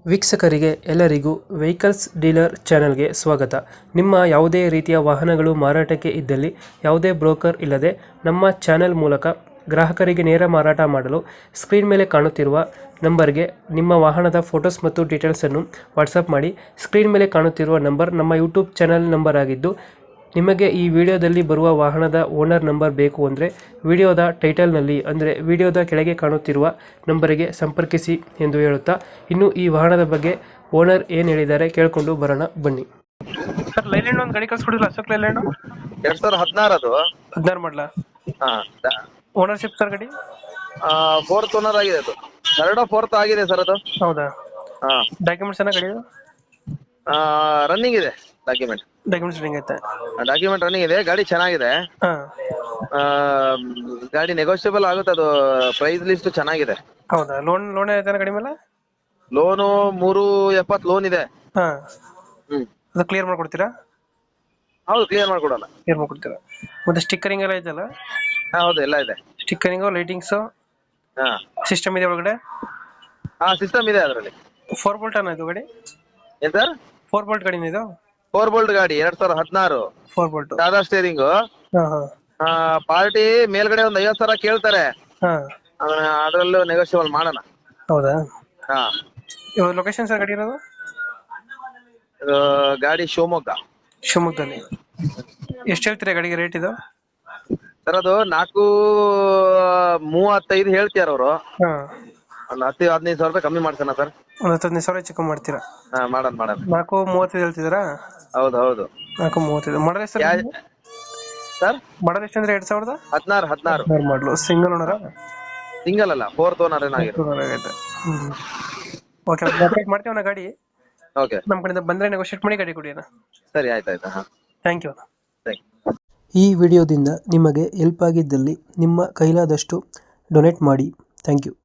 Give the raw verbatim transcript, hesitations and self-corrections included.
ವೀಕ್ಷಕರಿಗೆ ಎಲ್ಲರಿಗೂ vehicles dealer ಚಾನೆಲ್ಗೆ ಸ್ವಾಗತ. ನಿಮ್ಮ ಯಾವುದೇ ರೀತಿಯ ವಾಹನಗಳು ಮಾರಾಟಕ್ಕೆ ಇದ್ದಲ್ಲಿ ಯಾವುದೇ ಬ್ರೋಕರ್ ಇಲ್ಲದೆ ನಮ್ಮ ಚಾನೆಲ್ ಮೂಲಕ ಗ್ರಾಹಕರಿಗೆ ನೇರ ಮಾರಾಟ ಮಾಡಲು ಸ್ಕ್ರೀನ್ ಮೇಲೆ ಕಾಣುತ್ತಿರುವ ನಂಬರ್ಗೆ ನಿಮ್ಮ ವಾಹನದ ಫೋಟೋಸ್ ಮತ್ತು ಡೀಟೇಲ್ಸನ್ನು ವಾಟ್ಸಪ್ ಮಾಡಿ. ಸ್ಕ್ರೀನ್ ಮೇಲೆ ಕಾಣುತ್ತಿರುವ ನಂಬರ್ ನಮ್ಮ ಯೂಟ್ಯೂಬ್ ಚಾನೆಲ್ ನಂಬರ್ ಆಗಿದ್ದು, ನಿಮಗೆ ಈ ವಿಡಿಯೋದಲ್ಲಿ ಬರುವ ವಾಹನದ ಓನರ್ ನಂಬರ್ ಬೇಕು ಅಂದರೆ ವಿಡಿಯೋದ ಟೈಟಲ್ನಲ್ಲಿ ಅಂದರೆ ವಿಡಿಯೋದ ಕೆಳಗೆ ಕಾಣುತ್ತಿರುವ ನಂಬರಿಗೆ ಸಂಪರ್ಕಿಸಿ ಎಂದು ಹೇಳುತ್ತಾ, ಇನ್ನು ಈ ವಾಹನದ ಬಗ್ಗೆ ಓನರ್ ಏನು ಹೇಳಿದ್ದಾರೆ ಕೇಳಿಕೊಂಡು ಬರೋಣ ಬನ್ನಿ. ಸರ್, ಲೈಲ್ಯಾಂಡ್ ಒಂದು ಗಾಡಿ ಕಳ್ಸ್ಕೊಡಿಲ್ಲ, ಅಶೋಕ್ ಲೈಲ್ಯಾಂಡ್ ಎರಡ್ ಸಾವಿರದ ಹದಿನಾರು ಅದು ಹದಿನಾರು ಮಾಡಲ. ಓನರ್ಶಿಪ್ ಸರ್ ಗಾಡಿ ಫೋರ್ತ್ ಓನರ್ ಆಗಿದೆ. ಅದು ಎರಡೋ ಫೋರ್ತ್ ಆಗಿದೆ ಸರ್. ಅದು ಹೌದಾ? ಹಾ, ಡಾಕ್ಯುಮೆಂಟ್ಸ್ ಏನ ಗಾಡಿ ರನ್ನಿಂಗ್ ಇದೆ. ಡಾಕ್ಯುಮೆಂಟ್ ಡಾಕ್ಯುಮೆಂಟ್ಸ್ ರನ್ನಿಂಗ್ ಐತೆ. ಡಾಕ್ಯುಮೆಂಟ್ ರನ್ನಿಂಗ್ ಇದೆ. ಗಾಡಿ ಚೆನ್ನಾಗಿದೆ. ಹಾ, ಆ, ಗಾಡಿ ನೆಗೋಷಿಯಬಲ್ ಆಗುತ್ತೆ. ಅದು ಪ್ರೈಸ್ ಲಿಸ್ಟ್ ಚೆನ್ನಾಗಿದೆ. ಹೌದಾ? ಲೋನ್ ಲೋನ್ ಐತೆ ಗಾಡಿ ಮೇಲೆ? ಲೋನು ಮೂರು ಎಪ್ಪತ್ತು ಲೋನ್ ಇದೆ. ಹಾ, ಹ್ಮ್ ಅದು ಕ್ಲಿಯರ್ ಮಾಡ್ಕೊಡ್ತೀರಾ? ಹೌದು, ಕ್ಲಿಯರ್ ಮಾಡ್ಕೊಡೋಣ. ಕ್ಲಿಯರ್ ಮಾಡ್ಕೊಡ್ತೀರಾ. ಮತ್ತೆ ಸ್ಟಿಕ್ಕರಿಂಗ್ ಎಲ್ಲ ಐತಲ್ಲ? ಹಾ, ಹೌದು, ಎಲ್ಲ ಇದೆ. ಸ್ಟಿಕ್ಕರಿಂಗು, ಲೈಟಿಂಗ್ಸು, ಹಾ ಸಿಸ್ಟಮ್ ಇದೆ ಒಳಗಡೆ? ಹಾ, ಸಿಸ್ಟಮ್ ಇದೆ ಅದರಲ್ಲಿ. ಫೋರ್ ಬೋಲ್ಟ್ ಅನ್ನ ಇದು ಗಾಡಿ? ಏನ್ ಸರ್? ಫೋರ್ ಬೋಲ್ಟ್ ಗಾಡಿನ ಇದು? ಫೋರ್ ಬೋಲ್ಟ್ ಗಾಡಿ, ಎರಡ್ ಸಾವಿರದ ಹದಿನಾರು. Four bolt. ಸಾದಾ ಸ್ಟೇರಿಂಗು. ಹಾ ಹಾ. ಪಾರ್ಟಿ ಮೇಲ್ಗಡೆ ಒಂದ್ ಐವತ್ ಸಾವಿರ ಕೇಳ್ತಾರೆ. ಹಾ, ಅದ್ರಲ್ಲೂ ನೆಗೋಷಿಯಬಲ್ ಮಾಡೋಣ. ಹೌದಾ? ಹಾ, ಇವಾಗ ಲೊಕೇಶನ್ ಸರ್ ಗಾಡಿ ಇರೋದು? ಇದು ಗಾಡಿ ಶಿವಮೊಗ್ಗ. ಶಿವಮೊಗ್ಗದಲ್ಲಿ. ಎಷ್ಟು ಹೇಳ್ತೀರಾ ಗಾಡಿಗೆ ರೇಟ್ ಇದು? ಸರ್, ಅದು ನಾಲ್ಕು ಮೂವತ್ತೈದು ಹೇಳ್ತಿಯಾರ ಅವರು. ಹಾ, ಒಂದು ಹತ್ತು ಹದಿನೈದು ಸಾವಿರ ರೂಪಾಯಿ ಕಮ್ಮಿ ಮಾಡ್ತಾನ ಸರ್. ಒಂದು ಹತ್ತು ಹದಿನೈದು ಸಾವಿರ ಚಿಕ್ಕ ಮಾಡ್ತೀರಾ? ಹಾ, ಮಾಡೋಣ ಮಾಡೋಣ. ನಾಲ್ಕು ಮೂವತ್ತೈದು ಹೇಳ್ತಿದ್ದೀರಾ? ಹೌದು ಹೌದು. ನಾಲ್ಕು ಮೂವತ್ತೈದು. ಮಾಡಲ್ ಎಷ್ಟು ಸರ್? ಮಾಡಲ್ ಎಷ್ಟು ಅಂದ್ರೆ ಎರಡ್ ಸಾವಿರದ ಹದಿನಾರು ಹದಿನಾರು ಮಾಡಲು. ಸಿಂಗಲ್ ಓನರ? ಸಿಂಗಲ್ ಅಲ್ಲ, ಫೋರ್ತ್ ಓನರ್ ಏನಾಗಿರೋ. ಓಕೆ, ಮಾಡ್ತೀವಣ್ಣ ಗಾಡಿ. ಓಕೆ, ನಮ್ಮ ಕಡೆಯಿಂದ ಬಂದ್ರೆ ನೆಗೋಷಿಯೇಟ್ ಮಾಡಿ ಗಾಡಿ ಕೊಡಿ ಅಣ್ಣ. ಸರಿ, ಆಯ್ತಾಯ್ತಾ. ಹಾ, ಥ್ಯಾಂಕ್ ಯು. Thank you. ಈ ವಿಡಿಯೋದಿಂದ ನಿಮಗೆ ಹೆಲ್ಪ್ ಆಗಿದ್ದಲ್ಲಿ ನಿಮ್ಮ ಕೈಲಾದಷ್ಟು ಡೊನೇಟ್ ಮಾಡಿ. Thank you.